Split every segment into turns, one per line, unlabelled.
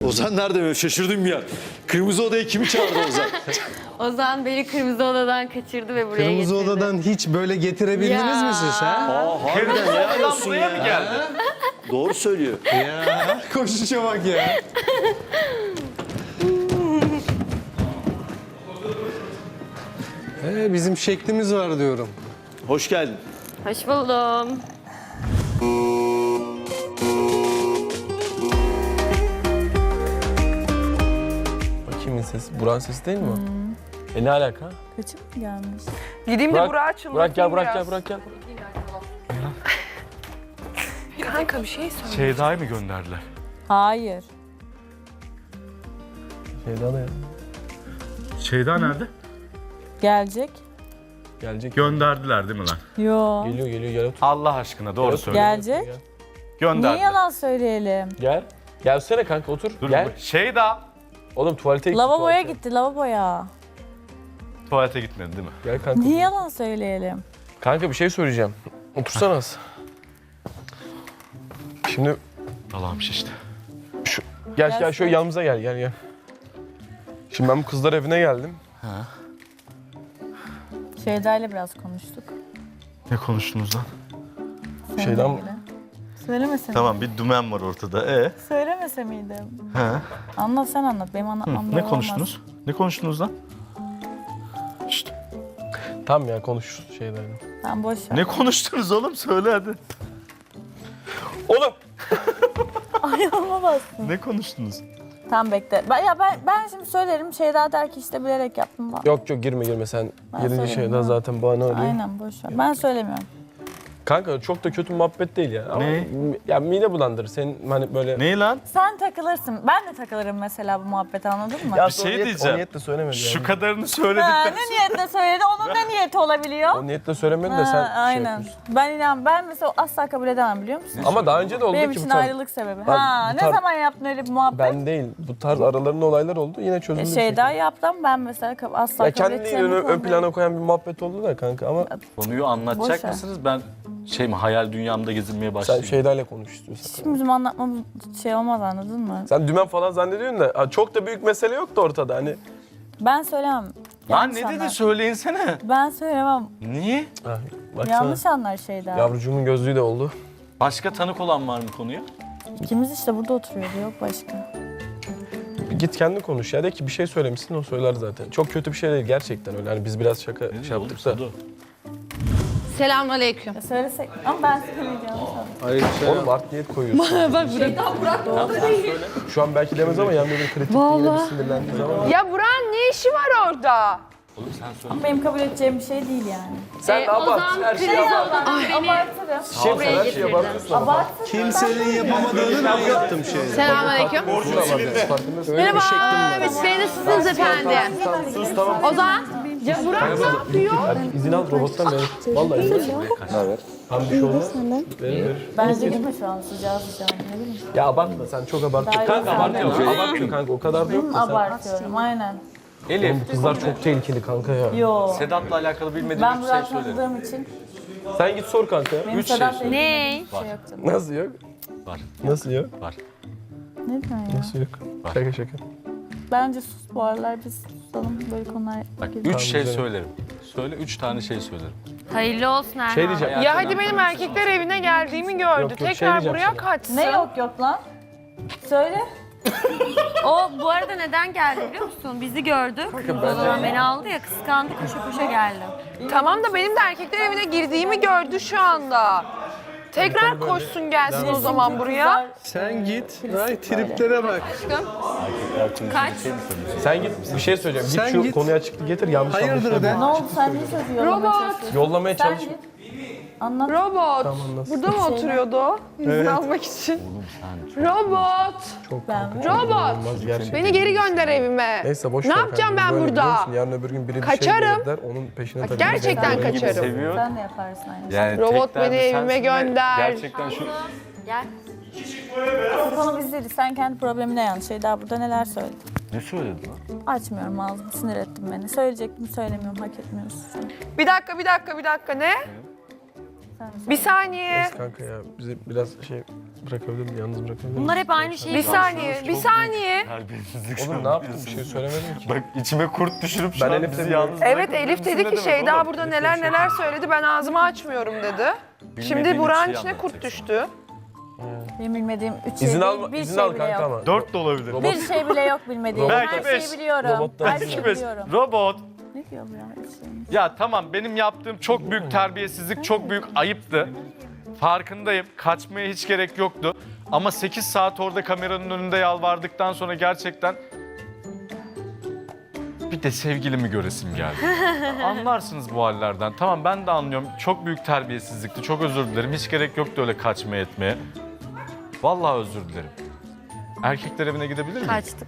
Ozan nerede böyle? Şaşırdım ya. Kırmızı odaya kimi çağırdı Ozan?
Ozan beni kırmızı odadan kaçırdı ve buraya
Kırmızı
getirdi.
odadan hiç böyle getirebildiniz mi siz ha?
Aa harbiden helal olsun
Buraya mı geldi?
Doğru söylüyor.
Ya koşuşa bak ya. Bizim şeklimiz var diyorum.
Hoş geldin.
Hoş buldum.
Kimin sesi? Burak'ın sesi değil mi o? Ne alaka?
Kaçıp mı gelmiş?
Gideyim de Burak'a çınlatayım
Burak gel, Burak
biraz.
gel, Burak gel.
Kanka bir şey söyle.
Şeyda'yı mı gönderdiler?
Hayır.
Şeyda ne ya?
Şeyda nerede?
Gelecek.
Gelecek.
Gönderdiler değil mi lan?
Yo.
Geliyor, gel otur.
Allah aşkına doğru söyle.
Gelecek.
Gel.
Niye
Gönderdiler.
yalan söyleyelim?
Gel. Gelsene kanka otur.
Dur,
gel.
Şeyda
Oğlum tuvalete gitti.
Lavaboya
tuvalete.
gitti, lavaboya.
tuvalete gitmedi değil mi?
Gel kanka.
Niye yalan söyleyelim?
Kanka bir şey söyleyeceğim. Otursana az. Şimdi
Allah'ım işte.
gel şöyle yanımıza gel. Şimdi ben bu kızlar evine geldim.
Şeyda ile biraz konuştuk.
Ne konuştunuz lan?
Seninle
Şeyden-
ilgili. Söylemese
Tamam bir dümen var ortada.
Söylemese miydim?
He.
Anlat sen anlat. Benim anlatmam
Ne
doğru
konuştunuz? Ne konuştunuz lan? Şşt.
Tamam ya konuş şeyden.
olmaz. Tamam boş ver.
Ne konuştunuz oğlum? Söyle hadi.
Oğlum!
Ayağıma bastın.
Ne konuştunuz?
Tamam bekle. Ben şimdi söylerim. Şeyda der ki işte bilerek yaptım falan.
Yok girme sen.
Ben
Yedinci
söyleyeyim,
şeyden
ha.
zaten bana arıyor.
Aynen boş ver. Ben söylemiyorum.
Kanka çok da kötü muhabbet değil ya. Ama
Ne?
ya mide bulandırır. Senin hani böyle...
Ne lan?
Sen takılırsın. Ben de takılırım mesela bu muhabbete, anladın mı?
Ya
Bir şey diyeceğim.
O niyetle söylemedi
Şu
yani.
kadarını
Ha,
söyledikten
ne niyetle söyledi? Onun ne niyeti olabiliyor?
O niyetle söylemedi de
Ha,
sen şey
aynen.
yapıyorsun.
Ben mesela asla kabul edemem, biliyor musun?
Ama daha önce de oldu
Benim
ki bu
için
tarz.
ayrılık sebebi.
Bak,
Ha,
bu
ne
tarz-
zaman yaptın öyle bir muhabbet?
Ben değil. Bu tarz aralarında olaylar oldu. Yine çözüldü. bir
Şeyda
şekilde.
yaptım, ben mesela asla
Ya
kabul
kendini
edeceğim.
ön plana koyan bir muhabbet oldu da kanka ama
Konuyu
Boş
anlatacak
ver.
mısınız? Ben hayal dünyamda gezinmeye
sen
başlayayım.
Şeyda'yla konuş istiyorsan.
Şimdi bizim anlatmamız şey olmaz, anladın mı?
Sen dümen falan zannediyorsun da ha, çok da büyük mesele yoktu ortada hani.
Ben söylemem.
Lan
Yanlış
ne dedi
anlar.
söyleyinsene.
Ben söylemem.
Niye?
Ha, baksana.
Yanlış anlar Şeyda.
Yavrucuğumun gözlüğü de oldu.
Başka tanık olan var mı konuya?
İkimiz işte burada oturuyordu, yok başka.
Git kendin konuş ya de ki bir şey söylemişsin o söyler zaten. Çok kötü bir şey değil gerçekten öyle. Hani biz biraz şaka şey yaptık da.
Selamünaleyküm.
Söylesek ama ben söyleyeceğim.
Oğlum art niyet koyuyorsun. Bak şu an belki demez ama yanında bir kritik yine bir sinirlendiği zaman.
Ya Burak'ın ne işi var orada?
Benim kabul edeceğim bir şey değil yani.
Sen abart her şeyi abart.
Abartırım.
Şey sen her şeyi abartıyorsun ama.
Abartırım.
Kimsenin yapamadığını ben yaptım şey.
Selamünaleyküm.
Borcunu abartıyorsun farkındasın.
Merhaba, Ümit Bey nasılsınız efendim?
Sus tamam.
Ozan,
Ya Burak ne yapıyor?
Hadi izin al robottan ver. Vallahi izin al. Ne haber? Tam bir şey olmaz. Verir.
Bence gitme şu an, sıcağı ne bileyim.
Ya abartma sen çok abartıyorsun. Kanka abartıyor. Abartıyor kanka o kadar da yok da sen.
Abartıyorum, aynen.
Elif,
Bu kızlar çok tehlikeli kanka ya.
Yo.
Sedat'la alakalı bilmediğim
Ben
bir şey
Burak'ı
söylerim.
tanıdığım için
Sen git sor kanka.
benim
Üç şey
Sedat'la ilgili
ne?
bir şey yoktu.
Nasıl yok?
Var.
Nasıl yok?
Var.
Ne diyorsun ya?
Nasıl yok?
Var.
Şaka.
Bence sus, bu aralar biz susalım, böyle konular
Bak
geliyor.
3 şey
güzel.
söylerim. Söyle 3 tane şey söylerim.
Hayırlı olsun Erhan.
Şey diyeceğim.
Ya hadi benim erkekler evine geldiğimi gördü.
Yok, şey
Tekrar
diyeceğim
buraya
sana.
kaçsın.
Ne yok lan? Söyle.
O bu arada neden geldi biliyor musun? Bizi gördü. O zaman beni aldı ya, kıskandı, koşa koşa geldi.
Tamam da benim de erkekler evine girdiğimi gördü şu anda. Tekrar koşsun gelsin o zaman buraya.
Sen git. Ay triplere bak.
Kaç?
Sen git bir şey söyleyeceğim. Git
Sen
şu
git.
konuyu açıkla getir yanlış
Hayırdır
anlaşılma.
de?
Ne oldu, sen niye sözü yollamaya çalışıyorsun?
Yollamaya
Sen
çalış.
git. Anlat.
Robot.
anlasın.
Burada mı oturuyordu o? İzin almak için. Robot.
Çok
Ben-
kanka, çok
Robot.
inanılmaz gerçekten.
Beni geri gönder evime.
Neyse boş
Ne
ver
yapacağım
kanka.
ben
Böyle biliyor
burada?
musun? Yarın öbür gün biri bir
Kaçarım.
şey der, onun peşine takılır.
Gerçekten
Benim gibi
kaçarım.
Seviyor.
Sen de yaparsın aynı şeyi.
Yani
Robot
tek derdi
beni evime
sensin ve
gönder.
Gerçekten şu
Gel.
Bu konu biz değiliz. Sen kendi problemine yan. Şeyda burada neler söyledi.
ne söyledin lan?
Açmıyorum ağzımı, sinir ettin beni. Söyleyecektim, söylemiyorum, hak etmiyorsun sen.
Bir dakika ne?
Sen de
Bir saniye.
Kanka ya bizi biraz şey bırakabilir miyim? Yalnız bırakabilir miyim?
Bunlar hep aynı şeyi
Bir saniye, bir saniye.
Terbiyesizlik.
Oğlum ne yaptım? Bir şey söylemedim ki.
Bak içime kurt düşürüp şu
Ben
an
Elif'le
bizi
bir-
yalnız
Evet
bırakabilir
Elif
misin
dedi
ne
ki
demek
Şeyda
oğlum?
burada neler söyledi ben ağzımı açmıyorum dedi. Şimdi
Bilmediğin
Burak'ın
şeyi
içine kurt
anlatacaksın.
düştü.
Benim bilmediğim 3 şey
İzin
değil,
al,
bir
izin
şey
al
bile
kanka
yok.
ama.
4 de olabilir.
Robot-
Bir şey bile yok bilmediğim.
Belki
Her
beş.
şeyi biliyorum.
Robottan
Her
belki
şeyi
beş.
biliyorum.
Robot.
Ne diyor bu ya?
Ya tamam benim yaptığım çok büyük terbiyesizlik, çok büyük ayıptı. Farkındayım. Kaçmaya hiç gerek yoktu. Ama 8 saat orada kameranın önünde yalvardıktan sonra gerçekten bir de sevgilimi göresim geldi. Anlarsınız bu hallerden. Tamam ben de anlıyorum. Çok büyük terbiyesizlikti. Çok özür dilerim. Hiç gerek yoktu öyle kaçmaya etmeye. Vallahi özür dilerim. Erkekler evine gidebilir miyim?
Kaçtı.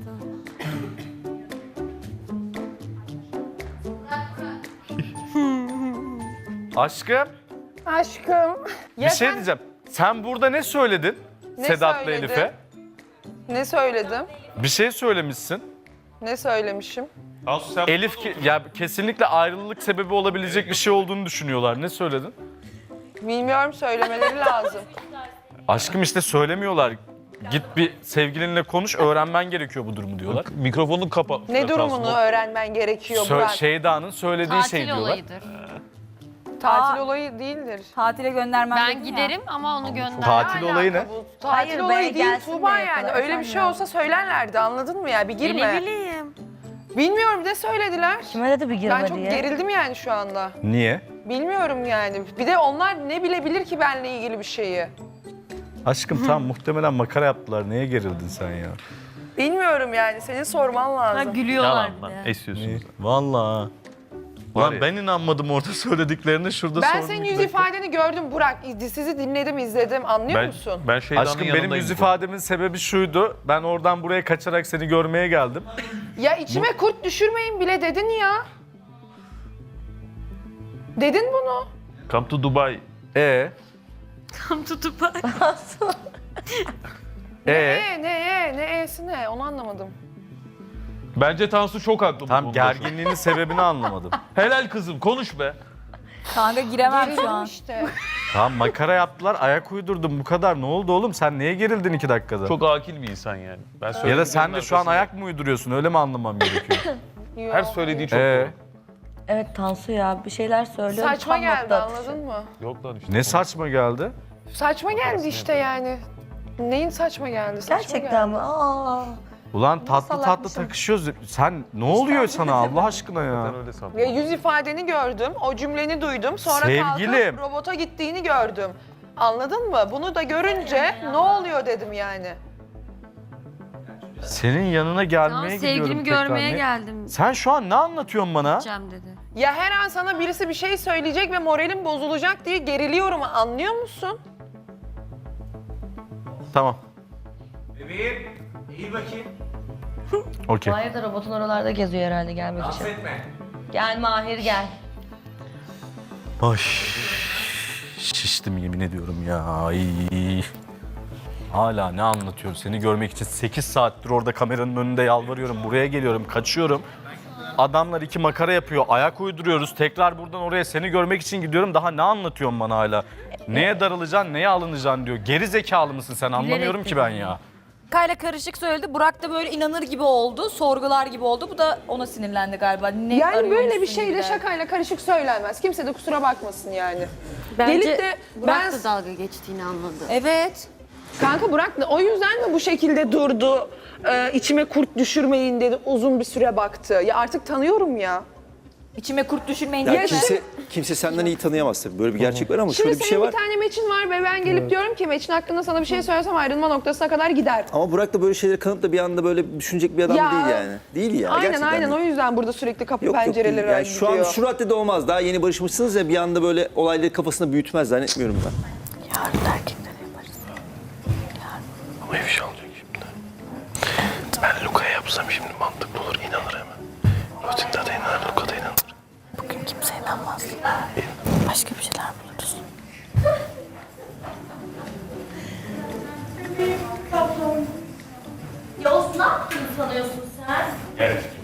Aşkım
Aşkım.
bir şey diyeceğim. Sen burada ne söyledin
Ne
Sedat'la
söyledim?
Elif'e?
Ne söyledim?
Bir şey söylemişsin.
Ne söylemişim?
Elif ya kesinlikle ayrılık sebebi olabilecek bir şey olduğunu düşünüyorlar. Ne söyledin?
Bilmiyorum söylemeleri lazım.
Aşkım işte söylemiyorlar. Git bir sevgilinle konuş, öğrenmen gerekiyor bu durumu diyorlar.
Mikrofonun kapalı.
Ne durumunu öğrenmen gerekiyor Burak?
Şeyda'nın söylediği şey
Tatil
diyorlar.
olayıdır.
Tatil olayı değildir.
Tatile göndermem
Ben
dedin ya.
giderim ama onu gönder.
Tatil olayı ne?
Bu tatil
Hayır be,
olayı değil
gelsin
Tuğba
de
yani.
falan.
Öyle bir şey olsa söylerlerdi anladın mı ya? Bir
Ne
girme.
bileyim.
Bilmiyorum ne söylediler.
Kime dedi bir girme
Ben çok
diye?
gerildim yani şu anda.
Niye?
Bilmiyorum yani. Bir de onlar ne bilebilir ki benimle ilgili bir şeyi?
Aşkım tamam muhtemelen makara yaptılar. Neye gerildin sen ya?
Bilmiyorum yani. Senin sorman
Ha,
lazım.
gülüyorlar bir
Yalan
de.
lan. Esiyorsunuz.
Vallahi.
Var
Ulan
ya.
ben inanmadım orada söylediklerine şurada
Ben
sordum
senin
bir
yüz
dakika.
ifadeni gördüm Burak. Sizi dinledim, izledim. Anlıyor musun?
Ben Şeyda'nın
Aşkım
yanındayım.
benim yüz
bu
ifademin sebebi şuydu. Ben oradan buraya kaçarak seni görmeye geldim.
Ya içime kurt düşürmeyin bile dedin ya. Dedin bunu.
konuda. Come to Dubai.
Tam tutup bak.
Ne e'si ne? Onu anlamadım.
Bence Tansu çok haklı bu
Tam
konuda.
gerginliğinin sebebini anlamadım.
Helal kızım konuş be.
Kanka giremem şu
Gerildim
an.
işte.
Tamam makara yaptılar, ayak uydurdum bu kadar. Ne oldu oğlum? Sen neye gerildin 2 dakikada?
Çok akil bir insan yani. Ben
Ya da sen de şu an
arkasında-
ayak mı uyduruyorsun? Öyle mi anlamam gerekiyor?
Her söylediği çok
Ee?
doğru.
Evet Tansu ya bir şeyler söylüyor.
Saçma
tam
geldi
nokta atışı.
anladın mı?
Yok lan işte.
Ne saçma geldi?
Saçma geldi işte yani. Neyin saçma geldi? Saçma
Gerçekten
geldi.
mi? Aa.
Ulan tatlı tatlı
salakmışım.
takışıyoruz. Sen ne oluyor sana Allah aşkına ya?
Ben öyle sandım.
Ya yüz ifadeni gördüm, o cümleni duydum. Sonra
Sevgilim.
kalkıp robota gittiğini gördüm. Anladın mı? Bunu da görünce ne oluyor dedim yani.
Senin yanına gelmeye
Tamam,
gidiyorum
sevgilimi
tekrar.
görmeye
Ne-
geldim.
Sen şu an ne anlatıyorsun bana?
Gideceğim dedi.
Ya her an sana birisi bir şey söyleyecek ve moralim bozulacak diye geriliyorum anlıyor musun?
Tamam. Bebeğim, iyi bakayım. Okey.
Mahir de robotun oralarda geziyor herhalde gelmek için. Gel Mahir gel.
Ay. Şiştim yemin ediyorum ya. Ay. Hala ne anlatıyor? Seni görmek için 8 saattir orada kameranın önünde yalvarıyorum. Buraya geliyorum, kaçıyorum. Adamlar 2 makara yapıyor, ayak uyduruyoruz. Tekrar buradan oraya seni görmek için gidiyorum. Daha ne anlatıyorsun bana hala? Neye darılacaksın, neye alınacaksın diyor. Geri zekalı mısın sen? Anlamıyorum ki ben ya.
Kayla karışık söyledi. Burak da böyle inanır gibi oldu. Sorgular gibi oldu. Bu da ona sinirlendi galiba. Ne
Yani böyle bir
arıyormuşsun
şeyle
gibi.
şakayla karışık söylenmez. Kimse de kusura bakmasın yani.
Bence
Gelip de
Burak
ben-
da dalga geçtiğini anladı.
Evet.
Kanka Burak da o yüzden mi bu şekilde durdu? İçime kurt düşürmeyin dedi. Uzun bir süre baktı. Ya artık tanıyorum ya.
İçime kurt düşürmeyin
Ya
diye.
kimse senden iyi tanıyamaz tabii. Böyle bir gerçek var ama
Şimdi
şöyle bir şey
senin
var.
bir tane meçin var ve ben gelip diyorum ki meçin hakkında sana bir şey söylesem ayrılma noktasına kadar gider.
Ama Burak da böyle şeyleri kanıp da bir anda böyle düşünecek bir adam
Ya,
değil yani. Değil ya.
Aynen
gerçekten
aynen
değil.
o yüzden burada sürekli kapı
Yok,
pencereleri
değil. Yani şu an
gidiyor.
şu raddede olmaz. Daha yeni barışmışsınız ya bir anda böyle olayları kafasında büyütmez zannetmiyorum ben.
Ama ifşa olacak şimdi. Ben Luka'ya yapsam şimdi mantıklı olur inanır hemen. Rutinde de inanır, Luka da inanır.
Bugün kimse inanmaz. Başka bir şeyler buluruz.
Yavuz ne yaptığını sanıyorsun sen?
Evet.